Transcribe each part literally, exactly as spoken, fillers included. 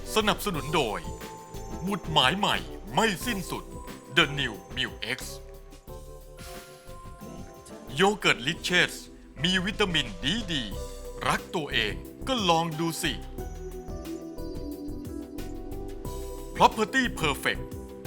สนับสนุนโดยหมุดหมายใหม่ไม่สิ้นสุด The New มิว X โยเกิร์ตลิเชสมีวิตามินดีดีรักตัวเองก็ลองดูสิ Property Perfect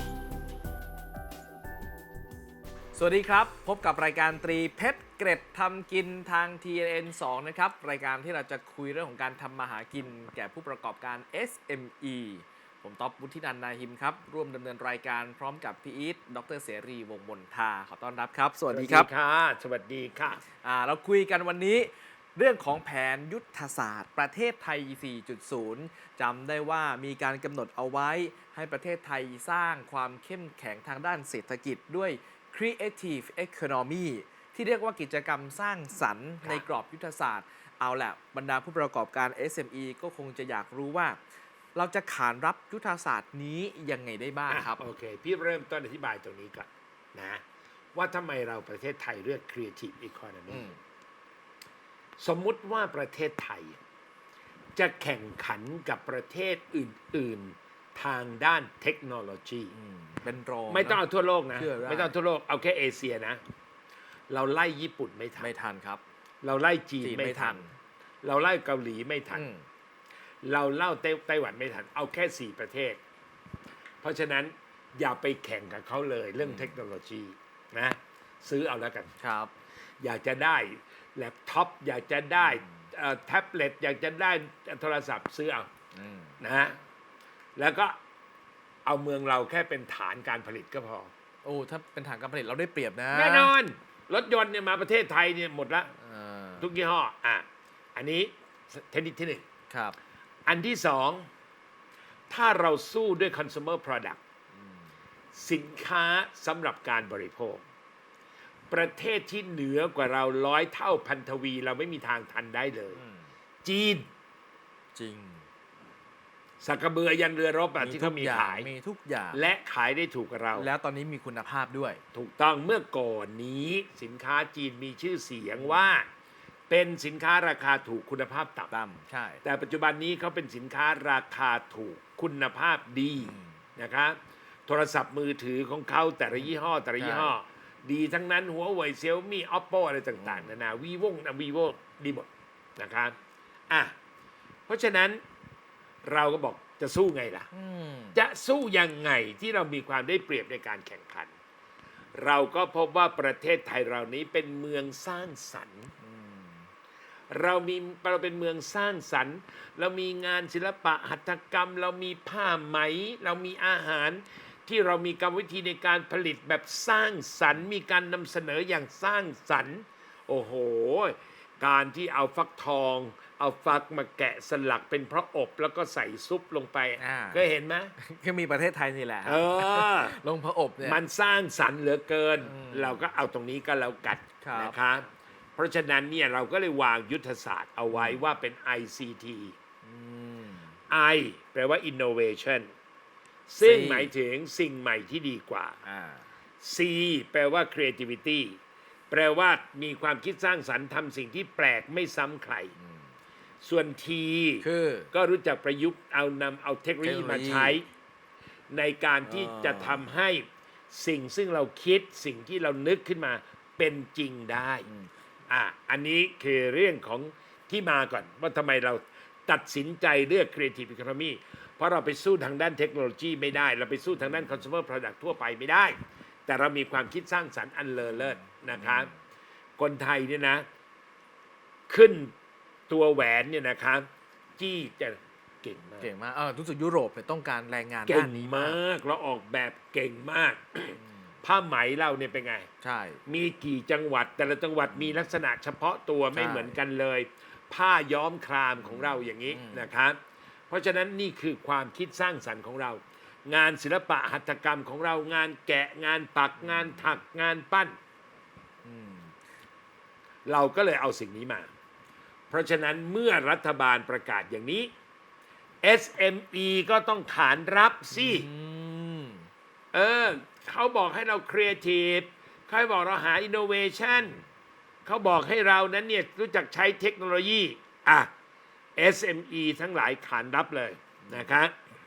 สวัสดีครับพบกับรายการตรีเพชรเกร็ดทำกินทาง ที เอ็น เอ็น สอง นะครับรายการที่เราจะคุยเรื่องของการทำมาหากินแก่ผู้ประกอบการ เอส เอ็ม อี ผมต๊อบวุฒินันท์นาหิมครับร่วมดำเนินรายการพร้อมกับพี่อีทดรเสรีวงศ์มนทาขอต้อนรับครับสวัสดีครับสวัสดีค่ะสวัสดีค่ะอ่าเราคุยกันวันนี้เรื่องของแผนยุทธศาสตร์ประเทศไทย สี่จุดศูนย์ จำได้ว่ามีการกำหนดเอาไว้ให้ประเทศไทยสร้างความเข้มแข็งทางด้านเศรษฐกิจด้วย Creative Economy ที่เรียกว่ากิจกรรมสร้างสรรค์ในกรอบยุทธศาสตร์เอาแหละบรรดาผู้ประกอบการ เอส เอ็ม อี ก็คงจะอยากรู้ว่าเราจะขานรับยุทธศาสตร์นี้ยังไงได้บ้างครับโอเค พี่เริ่มต้นอธิบายตรงนี้ก่อนนะว่าทำไมเราประเทศไทยเลือก Creative Economy สมมุติว่าประเทศไทย จะแข่งขันกับประเทศอื่นๆทางด้านเทคโนโลยีเป็นรองไม่ต้องเอาทั่วโลกนะเชื่อได้ไม่ต้องทั่วโลกเอาแค่เอเชียนะ เราไล่ญี่ปุ่นไม่ทันไม่ทันครับเราไล่จีนจีนไม่ไม่ทัทันนเราไล่เกาหลีไม่ทันอืมเราเล่าไต้ไต้หวันไม่ทัน เอาแค่สี่ประเทศ เพราะฉะนั้นอย่าไปแข่งกับเขาเลยเรื่องเทคโนโลยีนะซื้อเอาแล้วกันครับอยากจะได้แล็ปท็อปอยากจะได้เอ่อแท็บเล็ตอยากจะได้โทรศัพท์ซื้อเอาอืมนะฮะแล้วก็เอาเมืองเราแค่เป็นฐานการผลิตก็พอโอ้ถ้าเป็นฐานการผลิตเราได้เปรียบนะแน่นอน รถยนต์เนี่ยมาประเทศไทยเนี่ยหมดละเออทุกยี่ห้ออ่ะอันนี้เทคนิคที่หนึ่งครับอันที่สองถ้าเราสู้ด้วย consumer product สินค้าสำหรับการบริโภค ประเทศที่เหนือกว่าเราร้อยเท่าพันทวี เราไม่มีทางทันได้เลย จีนจริงสักกระเบือยันเรือรบอะมีที่ทุเขากมีอย่างขายมีทุกอย่างและขายได้ถูกกับเราแล้วตอนนี้มีคุณภาพด้วยถูกต้องเมื่อก่อนนี้สินค้าจีนมีชื่อเสียงว่า เป็นสินค้าราคาถูกคุณภาพต่ำต่ำใช่แต่ปัจจุบันนี้เขาเป็นสินค้าราคาถูกคุณภาพดีนะครับโทรศัพท์มือถือของเขาแต่ละยี่ห้อ แต่ละยี่ห้อ ดีทั้งนั้นหัวเว่ยเซี่ยวมี่ออปโปอะไรต่างๆนานาวีวงนะวีโวดีหมดนะครับอ่ะเพราะฉะนั้นเราก็บอกจะสู้ไงล่ะอืมจะสู้ยังไงที่เรามีความได้เปรียบในการแข่งขัน เราก็พบว่าประเทศไทยเรานี้เป็นเมืองสร้างสรรค์ เรามีเราเป็นเมืองสร้างสรรค์ เรามีงานศิลปะหัตถกรรม เรามีผ้าไหม เรามีอาหารที่เรามีกรรมวิธีในการผลิตแบบสร้างสรรค์ มีการนำเสนออย่างสร้างสรรค์ โอ้โห การที่เอาฟักทอง เอาฟักมาแกะสลักเป็นพระอบแล้วก็ใส่ซุปลงไปอ่าก็เห็นไหมก็มีประเทศไทยนี่แหละเออลงพระอบเนี่ยมันสร้างสรรค์เหลือเกินอืมเราก็เอาตรงนี้ก็แล้วกันครับนะครับ เพราะฉะนั้นเนี่ยเราก็เลยวางยุทธศาสตร์เอาไว้ว่าเป็น ไอ ซี ทีอืม I แปลว่า innovation ซึ่ง C หมายถึงสิ่งใหม่ที่ดีกว่าอ่า C แปลว่า creativity แปลว่ามีความคิดสร้างสรรค์ทำสิ่งที่แปลกไม่ซ้ำใคร ส่วน T คือก็รู้จักประยุกต์เอานำเอาเทคโนโลยีมาใช้ ในการที่จะทำให้สิ่งซึ่งเราคิดสิ่งที่เรานึกขึ้นมาเป็นจริงได้อ่ะอันนี้คือเรื่องของที่มาก่อนว่าทำไมเราตัดสินใจเลือก Creative Economy เพราะเราไปสู้ทางด้านเทคโนโลยีไม่ได้ เราไปสู้ทางด้าน Consumer Product ทั่วไปไม่ได้ แต่เรามีความคิดสร้างสรรค์อันเลอเลิศนะครับคนไทยเนี่ยนะ ขึ้นตัวแหวนเนี่ยนะครับจี้จะเก่งมากเก่งมากเออรู้สึกยุโรปเนี่ยต้องการแรงงานเก่ด้าง นนี้มามาก กเราออกแบบเก่งมาก ผ้าไหมเราเนี่ยเป็นไงใช่มีกี่จังหวัดแต่ละจังหวัดมีลักษณะเฉพาะตัวไม่ใช่เหมือนกันเลย ผ้าย้อมครามของเราอย่างนี้อืมนะครับ เพราะฉะนั้นนี่คือความคิดสร้างสรรค์ของเรา งานศิลปะหัตถกรรมของเรางานแกะงานปักงานถักงานปั้นอืมเราก็เลยเอาสิ่งนี้มา เพราะฉะนั้นเมื่อรัฐบาลประกาศอย่างนี้ เอส เอ็ม อี ก็ต้องขานรับสิอืมเออเขาบอกให้เราครีเอทีฟเขาบอกเราหาอินโนเวชันเขาบอกให้เรานั้นเนี่ยรู้จักใช้เทคโนโลยีอ่ะ เอส เอ็ม อี ทั้งหลายขานรับเลยนะครับ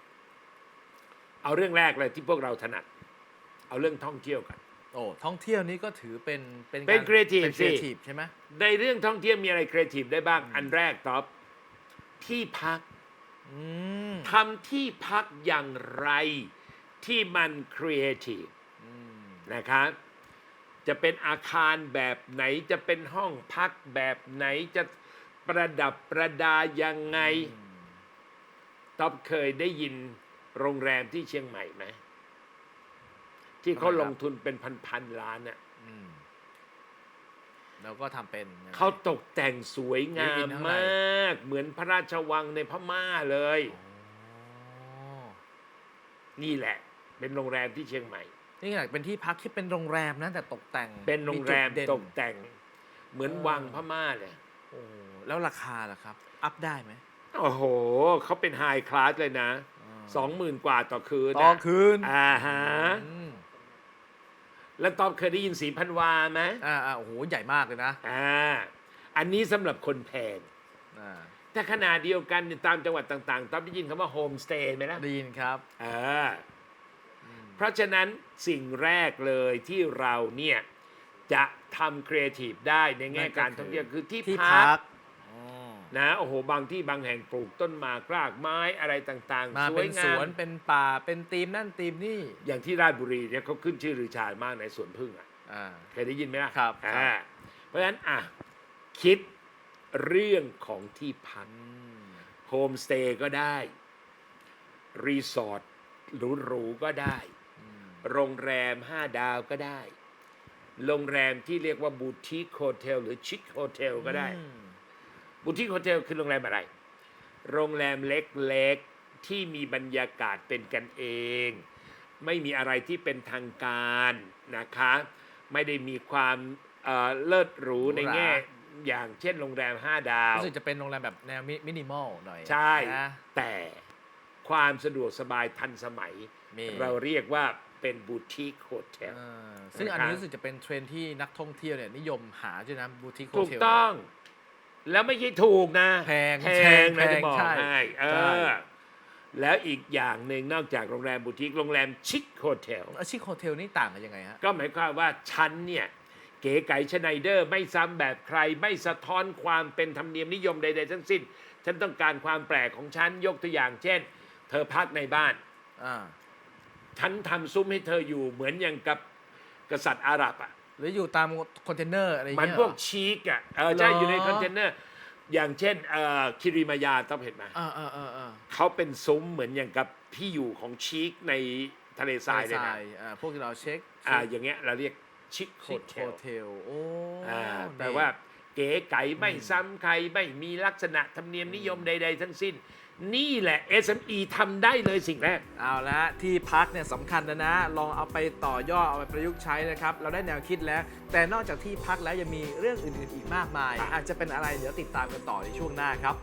เอาเรื่องแรกเลยที่พวกเราถนัด เอาเรื่องท่องเที่ยวกันโอ้ท่องเที่ยวนี้ก็ถือเป็นเป็นเป็นการ creative เป็นสิ creative ใช่ไหมในเรื่องท่องเที่ยวมีอะไรครีเอทีฟได้บ้าง อันแรกท็อปที่พักอืมทำที่พักอย่างไรที่มันครีเอทีฟอืมนะครับจะเป็นอาคารแบบไหนจะเป็นห้องพักแบบไหนจะประดับประดายังไงท็อปเคยได้ยินโรงแรมที่เชียงใหม่ไหมที่เขาลงทุนเป็นพันๆล้านน่ะอืมแล้วก็ทำเป็นยังไงเขาตกแต่งสวยงามีมข้างในมาก เหมือนพระราชวังในพม่าเลยอ๋อนี่แหละ เป็นโรงแรมที่เชียงใหม่นี่ขนาดเป็นที่พักที่เป็นโรงแรมนะแต่ตกแต่งเป็นโรงแรมจุดเด่นตกแต่ง เหมือนเออวังพม่าเลยโอ้แล้วราคาล่ะครับ อัพได้ไหมโอ้โห เขาเป็นไฮคลาสเลยนะ สองหมื่นกว่าต่อคืนต่อนะคืนอ่าฮะอืมแล้วตอบเคยได้ยินสีพันวาไหมอ่าอ่าโอ้โหใหญ่มากเลยนะอ่า อันนี้สำหรับคนแพงอ่าแต่ขนาดเดียวกันเนี่ยตามจังหวัดต่างๆตอบได้ยินคำว่าโฮมสเตย์ไหมล่ะได้ยินครับเออเพราะฉะนั้นสิ่งแรกเลยที่เราเนี่ยจะทำครีเอทีฟได้ในแง่นั่นก็การท่องเที่ยวคือที่ที่พัพักกอ๋อนะโอ้โหบางที่บางแห่งปลูกต้นหมากรากไม้อะไรต่างๆมาสวเป็ยนงาสมวนเป็นป่าเป็นธีมนั่นธีมนี่อย่างที่ราชบุรีเนี่ยเขาขึ้นชื่อรือชามากในสวนพึ่งอ่ะอ่าเคยได้ยินไหมล่ะครับอ่าเพราะฉะนั้นอ่ะคิดเรื่องของที่พักอืมโฮมสเตย์ก็ได้รีสอร์ทหรูๆก็ได้อืมโรงแรมห้าดาวก็ได้ โรงแรมที่เรียกว่าบูติคโฮเทลหรือชิคโฮเทลก็ได้อืมบูติคโฮเทลคือโรงแรมอะไร โรงแรมเล็กๆที่มีบรรยากาศเป็นกันเอง ไม่มีอะไรที่เป็นทางการนะคะ ไม่ได้มีความเอ่อเลิศหรูในแง่อย่างเช่นโรงแรมห้าดาวรู้สึกจะเป็นโรงแรมแบบแนวมินิมอลหน่อยใช่นะแต่ความสะดวกสบายทันสมัยมีเราเรียกว่าเป็นบูติคโฮเทลเออซึ่งอันนี้รู้สึกจะเป็นเทรนด์ที่นักท่องเที่ยวเนี่ยนิยมหาด้วยนะบูติคโฮถูกเทลต้อง แล้วไม่ใช่ถูกนะแพงแพงแพนะงจะบอกใช่ให้เอใช่อแล้วอีกอย่างหนึ่งนอกจากโรงแรมบูติกโรงแรมชิคโฮเทลอาชิคโฮเทลนี่ต่างกันยังไงฮะก็หมายความว่าฉันเนี่ยเก๋ไก๋ชไนเดอร์ไม่ซ้ำแบบใครไม่สะท้อนความเป็นธรรมเนียมนิยมใดๆทั้งสิ้น ฉันต้องการความแปลกของฉันยกตัวอย่างเช่น เธอพักในบ้านอ่าฉันทำซุ้มให้เธออยู่เหมือนอย่างกับกษัตริย์อาหรับอ่ะหรืออยู่ตามคอนเทนเนอร์อะไรอย่างมันเงี้ยพวกชีกอ่ะเออใช่เหรออยู่ในคอนเทนเนอร์ อย่างเช่นเอ่อคิริมายาต้องเห็นไหมอ่าอ่าอ่าอ่าเขาเป็นซุ้มเหมือนอย่างกับที่อยู่ของชีกในทะเลทรายเลยทนะอ่าพวกที่เราเช็คอ่าอย่างเงี้ยเราเรียกชิคโฮชิคเทโฮลเทลโอ้อ่านี่แปลว่าเก๋ไก๋ไม่ซ้ำใครไม่มีลักษณะธรรมเนียมนิยมใด ๆ ทั้งสิ้น นี่แหละ เอส เอ็ม อี ทำได้เลยสิ่งแรกเอาละที่พักเนี่ยสำคัญนะนะ ลองเอาไปต่อยอดเอาไปประยุกต์ใช้นะครับ เราได้แนวคิดแล้ว แต่นอกจากที่พักแล้วยังมีเรื่องอื่น ๆ อีกมากมาย อาจจะเป็นอะไรเดี๋ยวติดตามกันต่อในช่วงหน้าครับ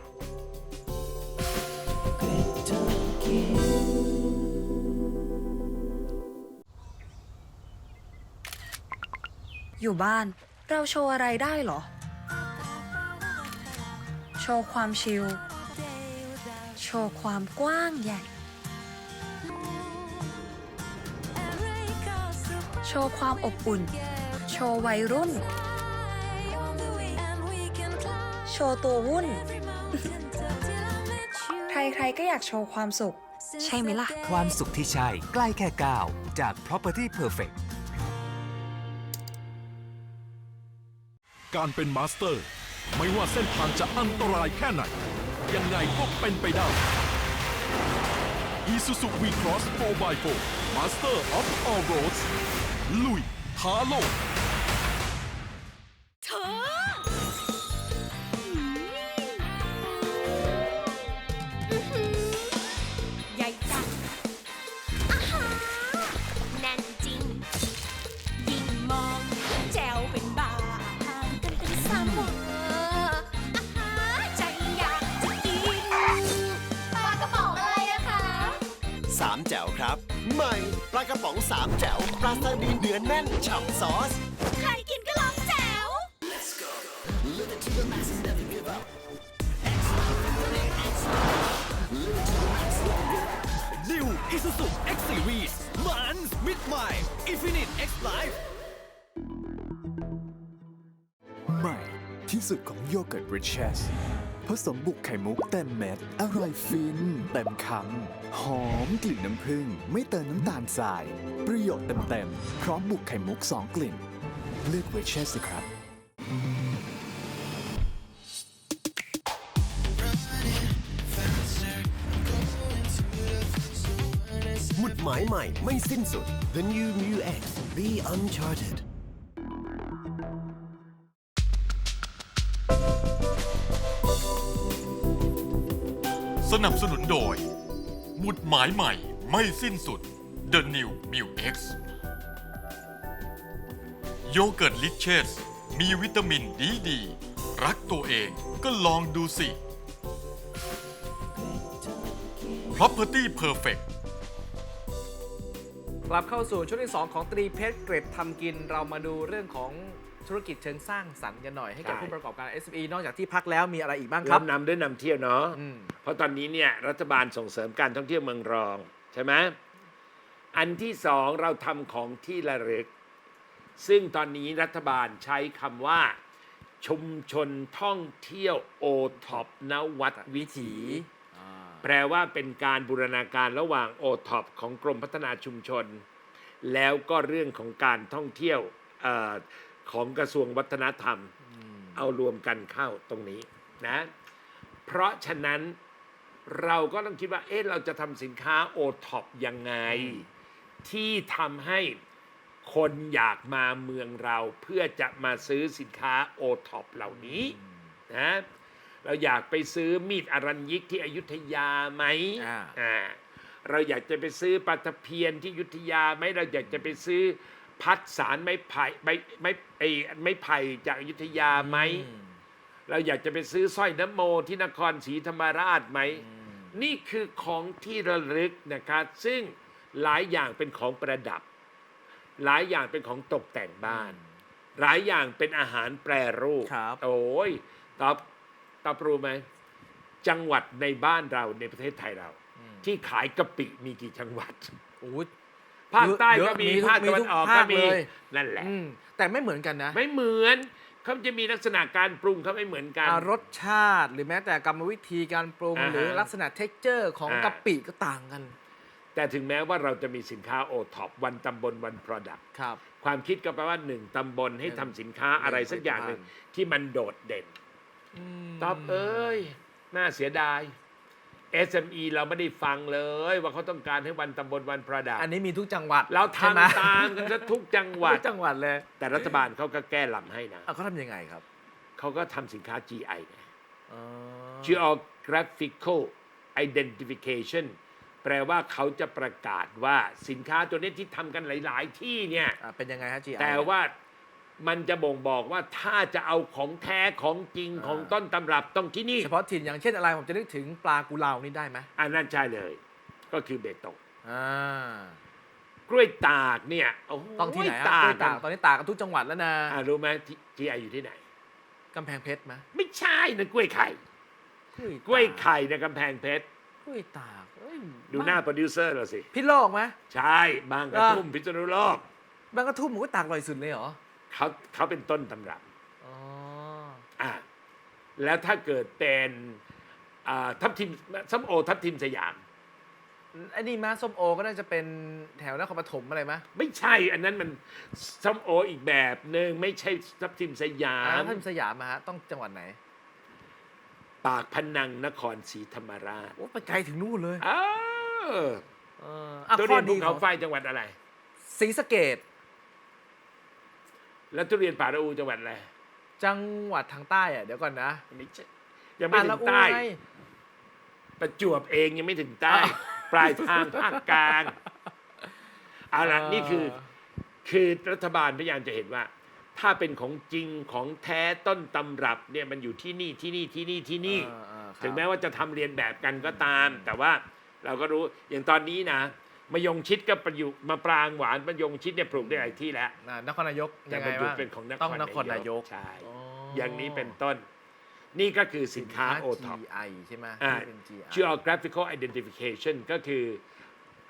อยู่บ้านเราโชว์อะไรได้เหรอ โชว์ความชิล โชว์ความกว้างใหญ่ โชว์ความอบอุ่น โชว์วัยรุ่น โชว์ตัววุ่น ใครๆก็อยากโชว์ความสุข ใช่ไหมล่ะความสุขที่ใช่ใกล้แค่ก้าวจาก Property Perfect การเป็นมาสเตอร์ ไม่ว่าเส้นทางจะอันตรายแค่ไหน ยังไงก็เป็นไปได้ Isuzu V-Cross โฟร์ บาย โฟร์ Master of All Roads ลุยท้าโลกเธอใหญ่จังอาหารแน่นจริง ยิ่งมองแจวเป็นบาห่างกันเป็นสามวาอาหารใจอยากจะกินปลากระป๋องอะไรอะคะสามแจ๋วครับ ใหม่ปลากระป๋องสามแจ๋วปลาซาดีนเนื้อแน่นฉ่ำซอสใครกินก็ร้องแจ๋ว New Isuzu X Series มันมิดใหม่ Infinite X Life ใหม่ที่สุดของโยเกิร์ต Riches ผสมบุกไข่มุกเต็มเม็ด อร่อยฟิน เต็มคำ หอมกลิ่นน้ำผึ้งไม่เติมน้ำตาลทราย ประโยชน์เต็มๆ พร้อมบุกไข่มุกสองกลิ่น เลือก Riches สิครับหมุดหมายใหม่ไม่สิ้นสุด The New Mu X Be Uncharted สนับสนุนโดย หมุดหมายใหม่ไม่สิ้นสุด The New m i l X โยเกิร์ตลิเชสมีวิตามินดีดี รักตัวเองก็ลองดูสิ Property Perfect กลับเข้าสู่ช่วงที่สองของตรีเพชรเกรดทำกินเรามาดูเรื่องของธุรกิจเชิงสร้างสรรค์กันหน่อยให้กับใช่ผู้ประกอบการ เอส เอ็ม อี นอกจากที่พักแล้วมีอะไรอีกบ้างครัรับบ นำด้วยนำเที่ยวเนาะอืมเพราะตอนนี้เนี่ยรัฐบาลส่งเสริมการท่องเที่ยวเมืองรองใช่ไหมอันที่สองเราทำของที่ระลึก ซึ่งตอนนี้รัฐบาลใช้คำว่า ชุมชนท่องเที่ยวโอท็อปนวัดวิถี แปลว่าเป็นการบูรณาการระหว่างโอท็อปของกรมพัฒนาชุมชน แล้วก็เรื่องของการท่องเที่ยวเออของกระทรวงวัฒนธรรม เอารวมกันเข้าตรงนี้นะ เพราะฉะนั้นเราก็ต้องคิดว่าเอ๊ะเราจะทำสินค้าโอท็อปยังไง ที่ทำให้คนอยากมาเมืองเราเพื่อจะมาซื้อสินค้าโอท็อปเหล่านี้นะเราอยากไปซื้อมีดอรัญยิกที่อยุธยาไหมอ่าอ่าเราอยากจะไปซื้อปลาตะเพียนที่อยุธยาไหมเราอยากจะไปซื้อพัดสารไม้ไผ่ไม้ไม้ไอ้ไม้ไผ่จากอยุธยาไหม เราอยากจะไปซื้อสร้อยน้ำโมที่นครศรีธรรมราชไหม นี่คือของที่ระลึกนะครับซึ่งหลายอย่างเป็นของประดับ หลายอย่างเป็นของตกแต่งบ้าน หลายอย่างเป็นอาหารแปรรูปครับโอ้ยตอบตอบรู้ไหมจังหวัดในบ้านเราในประเทศไทยเรา ที่ขายกะปิมีกี่จังหวัดโอ้ยภาคใต้เยก็อะมีมีทุกภาคตะวันออกมีทุกก็ภาคมีเลยนั่นแหละอืมแต่ไม่เหมือนกันนะไม่เหมือนเขาจะมีลักษณะการปรุงเขาไม่เหมือนกันอ่ารสชาติหรือแม้แต่กรรมวิธีการปรุงอ่าฮะหรือลักษณะเท็กเจอร์ของอ่ากกะปิก็ต่างกันแต่ถึงแม้ว่าเราจะมีสินค้าโอท็อปวันตำบลวัน Product ครับความคิดก็แปลว่าหนึ่งตำบลให้ทำสินค้าอะไรสักอย่างหนึ่งที่มันโดดเด่นตอบเอ้ย น่าเสียดาย เอส เอ็ม อี เราไม่ได้ฟังเลยว่าเขาต้องการให้วันตำบลวัน Product อันนี้มีทุกจังหวัดเราใช่ไหมทำตามกันซะทุกจังหวัดทุกจังหวัดเลยแต่รัฐบาลเขาก็แก้ลำให้นะอ่ะเขาทำยังไงครับเขาก็ทำสินค้า จี ไอ ไงอ๋อ Geographical Identification แปลว่าเขาจะประกาศว่าสินค้าตัวนี้ที่ทำกันหลาย ๆ ที่เนี่ยอ่ะเป็นยังไงฮะ จี ไอแต่ว่ามันจะบ่งบอกว่าถ้าจะเอาของแท้ของจริงของต้นตำรับต้องที่นี่เฉพาะถิ่นอย่างเช่นอะไรผมจะนึกถึงปลากุเลานี่ได้ไหมอันนั้นใช่เลย ก็คือเบตงอ่ากล้วยตากเนี่ยโอ้โหต้องที่ไหนฮะตากกล้วยตากตอนนี้ตากกันทุกจังหวัดแล้วนะอ่ะรู้ไหมจีไออยู่ที่ไหนกำแพงเพชรไหมไม่ใช่นะกล้วยไข่ กล้วยไข่ในกำแพงเพชรกล้วยตากเอ้ยดูหน้าโปรดิวเซอร์เราสิพิษโลกไหมใช่บางกระทุ่มพิษณุโลกบางกระทุ่มหมูกล้วยตากอร่อยสุดเลยเหรอเขาเขาเป็นต้นตำรับอ๋ออ่ะแล้วถ้าเกิดเป็นอ่าทับทิมส้มโอทับทิมสยามไอ้นี่มาส้มโอก็น่าจะเป็นแถวนครปฐมอะไรมะไม่ใช่อันนั้นมันส้มโออีกแบบหนึ่งไม่ใช่ทับทิมสยาอ่าม ท่านสยามมาฮะต้องจังหวัดไหนปากพนังนครศรีธรรมราชโอ้ไปไกลถึงนู่นเลยอ้าวเอออ่ะทุข้เรีอยนดีภูขเขาองไฟจังหวัดอะไรศรีสะเกษแล้วทุเรียนป่าละอูจังหวัดอะไรจังหวัดทางใต้อะเดี๋ยวก่อนนะไม่ใช่ยังไม่อ่ะถึละงอูใต้ไงประจวบเองยังไม่ถึงใต้ ปลายทางภาคกลางเอาละนี่คือคือรัฐบาลพยายามจะเห็นว่า ถ้าเป็นของจริงของแท้ต้นตำรับเนี่ยมันอยู่ที่นี่ที่นี่ที่นี่ที่นี่อ่าอ่าครับถึงแม้ว่าจะทำเรียนแบบกันก็ตาม แต่ว่าเราก็รู้อย่างตอนนี้นะมะยงชิดก็ประยุกต์มาปรางหวานมะยงชิดเนี่ยปลูกได้หลายที่แล้วอ่านครนายกแต่ยังไงมันอยู่บ้างเป็นของนครต้องนครนายกใช่อ๋อออย่างนี้เป็นต้น นี่ก็คือสินค้าโอท็อปจี ไอ ใช่ไหมอ่าที่เป็น จี ไอ geographical identification ก็คือ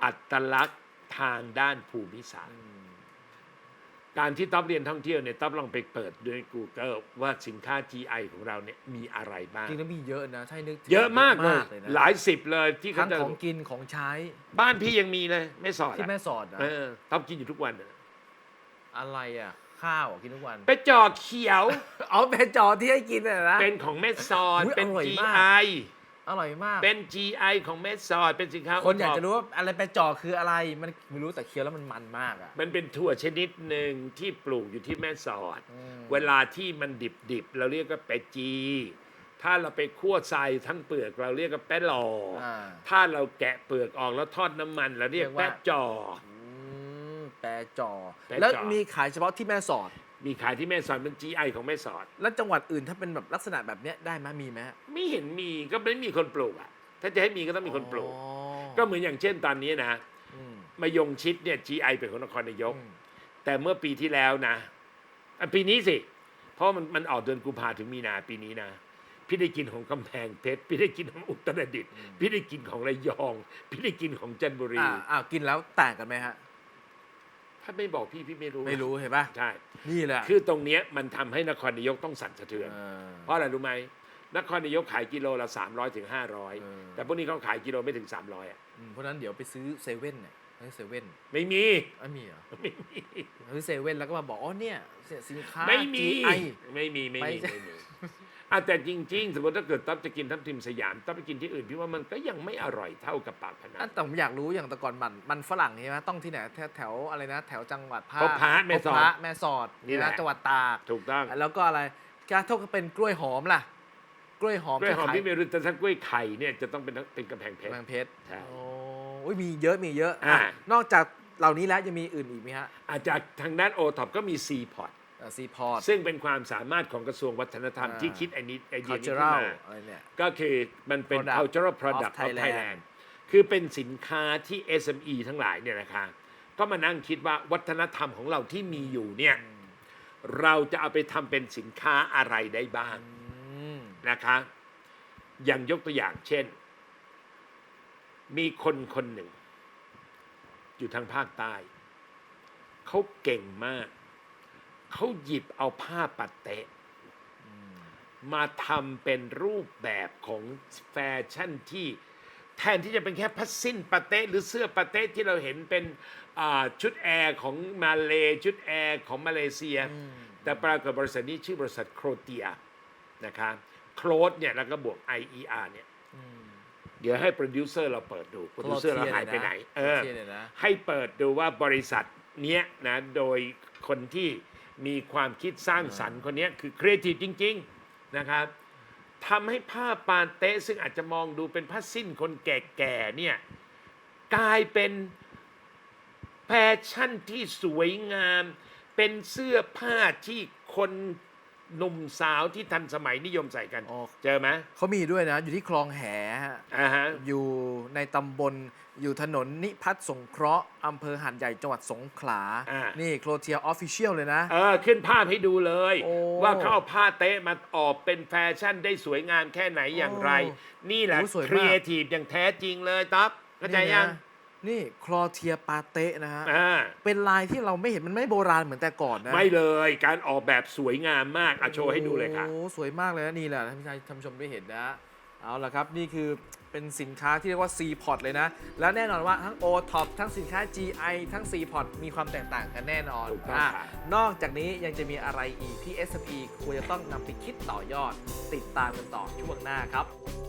อัตลักษณ์ทางด้านภูมิศาสตร์การที่ต๊อบเรียนท่องเที่ยวเนี่ยต๊อบลองไปเปิดด้วย Google ว่าสินค้า จี ไอ ของเราเนี่ยมีอะไรบ้างจริงแล้วมีเยอะนะใช่นึกถึงเยอะมากเลยนะหลายสิบเลยที่เขาทั้งจะของกินของใช้บ้านพี่ยังมีเลยแม่สอดที่อะแม่สอดอะเออต๊อบกินอยู่ทุกวันอะอะไรอ่ะ ข้าวอะกินทุกวันไปจอเขียวเอาแม่จอที่ให้กินน่ะนะเป็นของแม่สอดอุ๊ยเป็นอร่อยจีมากไออร่อยมากเป็น จี ไอ ของแม่สอดเป็นสินค้าคนอยากโท็ปจะรู้ว่าอะไรแปรจอคืออะไรมันไม่รู้แต่เคี้ยวแล้วมันมันมากอ่ะมันเป็นถั่วชนิดหนึ่งที่ปลูกอยู่ที่แม่สอดอืมเวลาที่มันดิบๆ เราเรียกว่าแปะจี ถ้าเราไปคั่วทรายทั้งเปลือกเราเรียกว่าแปะหลออา ถ้าเราแกะเปลือกออกแล้วทอดน้ำมันเราเรียกเรียกว่าแปะจออืมแปรจอแปรจอแล้วมีขายเฉพาะที่แม่สอดมีขายที่แม่สอดเป็น จี ไอ ของแม่สอดแล้วจังหวัดอื่นถ้าเป็นแบบลักษณะแบบเนี้ยได้ไหมมีไหมไม่เห็นมีก็ไม่มีคนปลูกอ่ะ ถ้าจะให้มีก็ต้องมีคนปลูกอ๋อก็เหมือนอย่างเช่นตอนนี้นะอืมมายงชิดเนี่ย จี ไอ เป็นของนครนายกอืมแต่เมื่อปีที่แล้วนะอ่ะปีนี้สิ เพราะมันมันออกเดือนกุมภาถึงมีนาปีนี้นะ พี่ได้กินของกำแพงเพชร พี่ได้กินของอุตรดิตถ์พี่ได้กินของระยอง พี่ได้กินของจันทบุรีอ่าอ่ากินแล้วต่างกันไหมฮะถ้าไม่บอกพี่พี่ไม่รู้ไม่รู้เห็นป่ะใช่นี่แหละคือตรงเนี้ยมันทำให้นครนายกต้องสั่นสะเทือนเออเพราะอะไรรู้ไหมนครนายกขายกิโลละสามร้อยถึงห้าร้อยเออแต่พวกนี้เขาขายกิโลไม่ถึงสามร้อยอ่ะอืมเพราะฉะนั้นเดี๋ยวไปซื้อเซเว่นเนี่ยให้เซเว่นไม่มีไม่มีเหรอไม่มีซื้อเซเว่นแล้วก็มาบอกอ๋อเนี่ยสินค้าไม่มีจี ไอไม่มีไม่มีไม่ไม่มีอ่ะแต่จริง ๆ สมมติถ้าเกิดต๊อบจะกินทับทิมสยามต๊อบไปกินที่อื่นพี่ว่ามันก็ยังไม่อร่อยเท่ากับปากพนัอ่ะงแต่ผมอยากรู้อย่างแต่ก่อนมันมันฝรั่งใช่ไหมต้องที่ไหนแถวแถวอะไรนะ แถวจังหวัดภาคพบพระแม่สอดพบพระแม่สอดนี่แหละจังหวัดตากถูกต้องแล้วก็อะไรการถ้าเป็นกล้วยหอมล่ะ กล้วยหอมกล้วยหอมจะขายที่เมรุแต่ถ้ากล้วยไข่เนี่ยจะต้องเป็นเป็นกำแพงเพชรกำแพงเพชรใช่โอ้อุ๊ยมีเยอะมีเยอะอ่าอ่ะนอกจากเหล่านี้แล้วยังมีอื่นอีกไหมฮะอาจจะทางด้านโอท็อปก็มีซีพอร์ตซีพอร์ตซึ่งเป็นความสามารถของกระทรวงวัฒนธรรมอ่าที่คิดไอ้นี้ไอเดียนี้ขึ้น cultural มาอะไรเนี่ยก็คือมันเป็น Product cultural product of of Thailand Thailand คือเป็นสินค้าที่ เอส เอ็ม อี ทั้งหลายเนี่ยนะคะก็มานั่งคิดว่าวัฒนธรรมของเราที่มีอยู่เนี่ยเราจะเอาไปทำเป็นสินค้าอะไรได้บ้างอืมนะคะอย่างยกตัวอย่างเช่น มีคนคนหนึ่ง อยู่ทางภาคใต้เขาเก่งมาก เขาหยิบเอาผ้าปัดเตะมาทำเป็นรูปแบบของแฟชั่นที่แทนที่จะเป็นแค่ผ้าสิ้นปาเต้หรือเสื้อปาเต้ที่เราเห็นเป็นอ่าชุดแอร์ของมาเลชุดแอร์ของมาเลเซีย แต่ปรากฏบริษัทนี้ชื่อบริษัทโครเตียนะคะโครดเนี่ยแล้วก็บวก ไอ อี อาร์ เนี่ยเดี๋ยวให้โปรดิวเซอร์เราเปิดดูโปรดิวเซอร์เราหายไปไหนเออโครเตียเลยนะให้เปิดดูว่าบริษัทเนี้ยนะโดยคนที่มีความคิดสร้างสรรค์คนเนี้ยคือครีเอทีฟจริง ๆ นะครับทำให้ผ้าปาเต้ซึ่งอาจจะมองดูเป็นผ้าสิ้นคนแก่ๆเนี่ยกลายเป็นแฟชั่นที่สวยงาม เป็นเสื้อผ้าที่คนหนุ่มสาวที่ทันสมัยนิยมใส่กันอ๋อเจอไหมเขามีด้วยนะ อยู่ที่คลองแหฮะอ่าฮะอยู่ในตำบลอยู่ถนนนิพัฒน์สงเคราะห์อำเภอหาดใหญ่จังหวัดสงขลาอ่านี่โครเทียออฟฟิเชียลเลยนะเออขึ้นภาพให้ดูเลยโอ้ว่าเขาเอาผ้าเต๊ะมาออกเป็นแฟชั่นได้สวยงามแค่ไหนอย่างไรโอ้นี่แหละโอ้สวยมากครีเอทีฟอย่างแท้จริงเลยต๊อบเข้าใจยังนี่นะนี่คลอเทียปาเต้นะฮะอ่าเป็นลายที่เราไม่เห็นมันไม่โบราณเหมือนแต่ก่อนนะไม่เลยการออกแบบสวยงามมากอ่ะโชว์ให้ดูเลยค่ะโอ้สวยมากเลยนะนี่แหละท่านผู้ชมท่านผู้ชมได้เห็นนะ เอาละครับ นี่คือเป็นสินค้าที่เรียกว่า ซี พอร์ต เลยนะ และแน่นอนว่าทั้ง โอ ท็อป ทั้งสินค้า จี ไอ ทั้ง ซี พอร์ต มีความแตกต่างกันแน่นอนถูกต้องอ่ะครับนอกจากนี้ยังจะมีอะไรอีกที่ เอส เอ็ม อี ควรจะต้องนำไปคิดต่อยอด ติดตามกันต่อช่วงหน้าครับ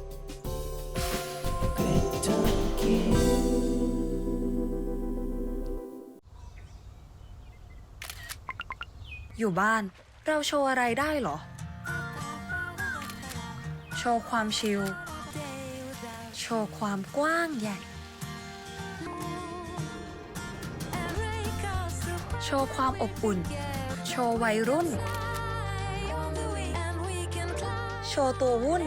อยู่บ้านเราโชว์อะไรได้เหรอ โชว์ความชิล โชว์ความกว้างใหญ่ โชว์ความอบอุ่น โชว์วัยรุ่น โชว์ตัววุ่น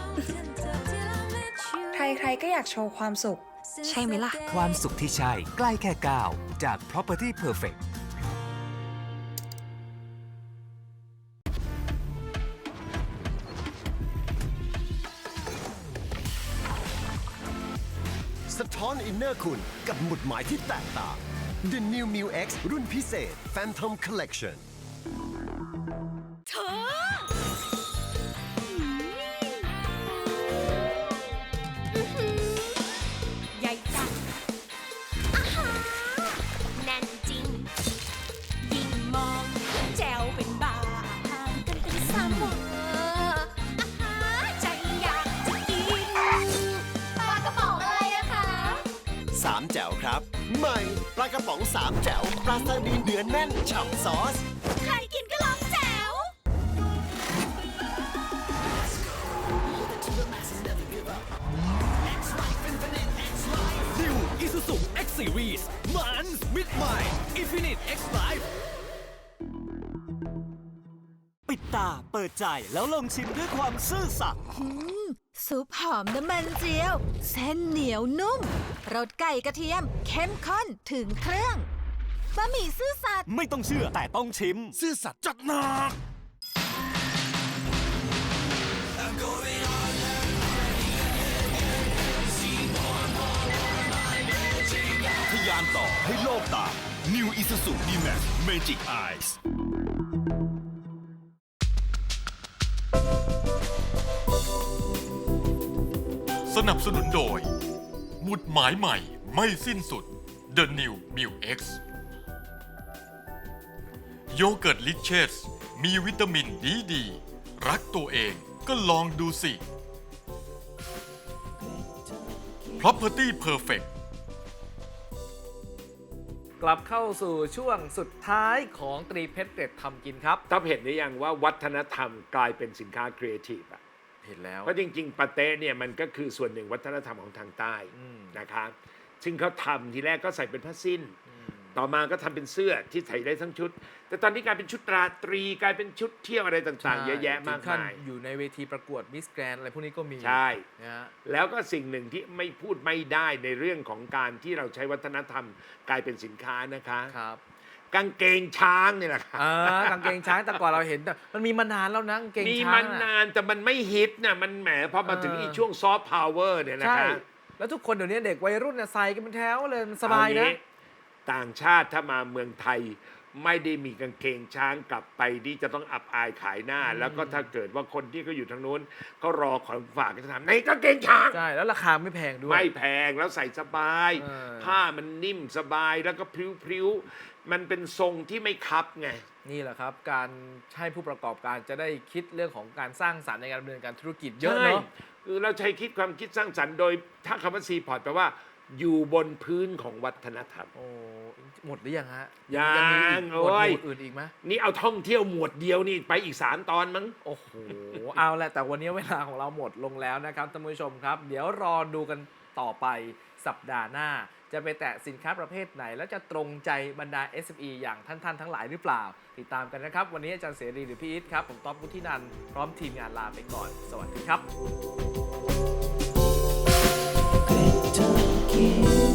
ใครๆก็อยากโชว์ความสุข ใช่ไหมล่ะความสุขที่ใช่ใกล้แค่ก้าวจาก Property Perfect ท้อนอินเนอร์คุณกับหมุดหมายที่แตกต่าง The New Mu X รุ่นพิเศษ Phantom Collection เธออื้อหือใหญ่จังอาหาแน่นจริง ยิ่งมองแจวเป็นบ้าห่างกันเป็นสามวาอาหาใจอยากจะกินปลากระป๋องอะไรอะคะสามแจ๋วครับ ใหม่ปลากระป๋องสามแจ๋วปลาซาดีนเนื้อแน่นฉ่ำซอสใครกินก็ลองแจ๋ว New Isuzu X Series มันมิดใหม่ Infinite X Life ปิดตาเปิดใจแล้วลองชิมด้วยความซื่อสัตย์ซุปหอมน้ำมันเจียว เส้นเหนียวนุ่มรสไก่กระเทียม เข้มข้นถึงเครื่องบะหมี่ซื่อสัตย์ไม่ต้องเชื่อแต่ต้องชิมซื่อสัตย์จัดหนัก ทะยานต่อให้โลกตาม New Isuzu D-Max Magic Eyes สนับสนุนโดย หมุดหมายใหม่ไม่สิ้นสุด The New Mu X โยเกิร์ตลิเชสมีวิตามินดีดี รักตัวเองก็ลองดูสิ Property Perfect กลับเข้าสู่ช่วงสุดท้ายของตรีเพชรเด็ดทำกินครับท็อปเห็นหรือยังว่าวัฒนธรรมกลายเป็นสินค้าครีเอทีฟอะเห็นแล้วเพราะจริงๆปาเต้เนี่ยมันก็คือส่วนหนึ่งวัฒนธรรมของทางใต้อืมนะครับซึ่งเขาทำทีแรกก็ใส่เป็นผ้าสิ้น ต่อมาก็ทำเป็นเสื้อที่ใส่ได้ทั้งชุด แต่ตอนนี้กลายเป็นชุดราตรีกลายเป็นชุดเที่ยวอะไรต่างๆ เยอะแยะมากถึงขั้นมายอยู่ในเวทีประกวดมิสแกรนอะไรพวกนี้ก็มีใช่นะฮะแล้วก็สิ่งหนึ่งที่ไม่พูดไม่ได้ในเรื่องของการที่เราใช้วัฒนธรรมกลายเป็นสินค้านะคะครับกางเกงช้างนี่แหละค่ะอ่ากางเกงช้างแต่ก่อนเราเห็นแต่มันมีมานานแล้วนะกางเกงมีช้างมันอะนานแต่มันไม่ฮิตนะมันแหมพอมาถึงเอออีอีช่วงซอฟต์พาวเวอร์เนี่ยนะใช่คะแล้วทุกคนเดี๋ยวนี้เด็กวัยรุ่นเนี่ยใส่กันเป็นแถวเลยมันสบายเอนะงี้ต่างชาติถ้ามาเมืองไทย ไม่ได้มีกางเกงช้างกลับไปที่จะต้องอับอายขายหน้า แล้วก็ถ้าเกิดว่าคนที่เขาอยู่ทางนู้นเขารอของฝากก็จะถามในกางเกงช้างใช่แล้วราคาไม่แพงด้วยไม่แพงแล้วใส่สบายเออผ้ามันนิ่มสบายแล้วก็พริ้วๆ มันเป็นทรงที่ไม่คับไงนี่แหละครับ การให้ผู้ประกอบการจะได้คิดเรื่องของการสร้างสรรค์ในการดำเนินการธุรกิจเยอะเนาะใช่คือเราใช้คิดความคิดสร้างสรรค์โดยถ้าคำว่าซีพอร์ตแปลว่า อยู่บนพื้นของวัฒนธรรมโอ้หมดหรือยังฮะยังมีอีกหมวดโอ้ยหมู่อื่นอีกไหมนี่เอาท่องเที่ยวหมวดเดียวนี่ไปอีกสามตอนมั้งโอ้โห เอาแหละแต่วันนี้เวลาของเราหมดลงแล้วนะครับท่านผู้ชมครับ เดี๋ยวรอดูกันต่อไปสัปดาห์หน้า จะไปแตะสินค้าประเภทไหน แล้วจะตรงใจบรรดา เอส เอ็ม อี อย่างท่านๆทั้งหลายหรือเปล่า ติดตามกันนะครับ วันนี้อาจารย์เสรีหรือพี่อิทครับ ผมต๊อบวุฒินันท์พร้อมทีมงานลาไปก่อน สวัสดีครับ Kentucky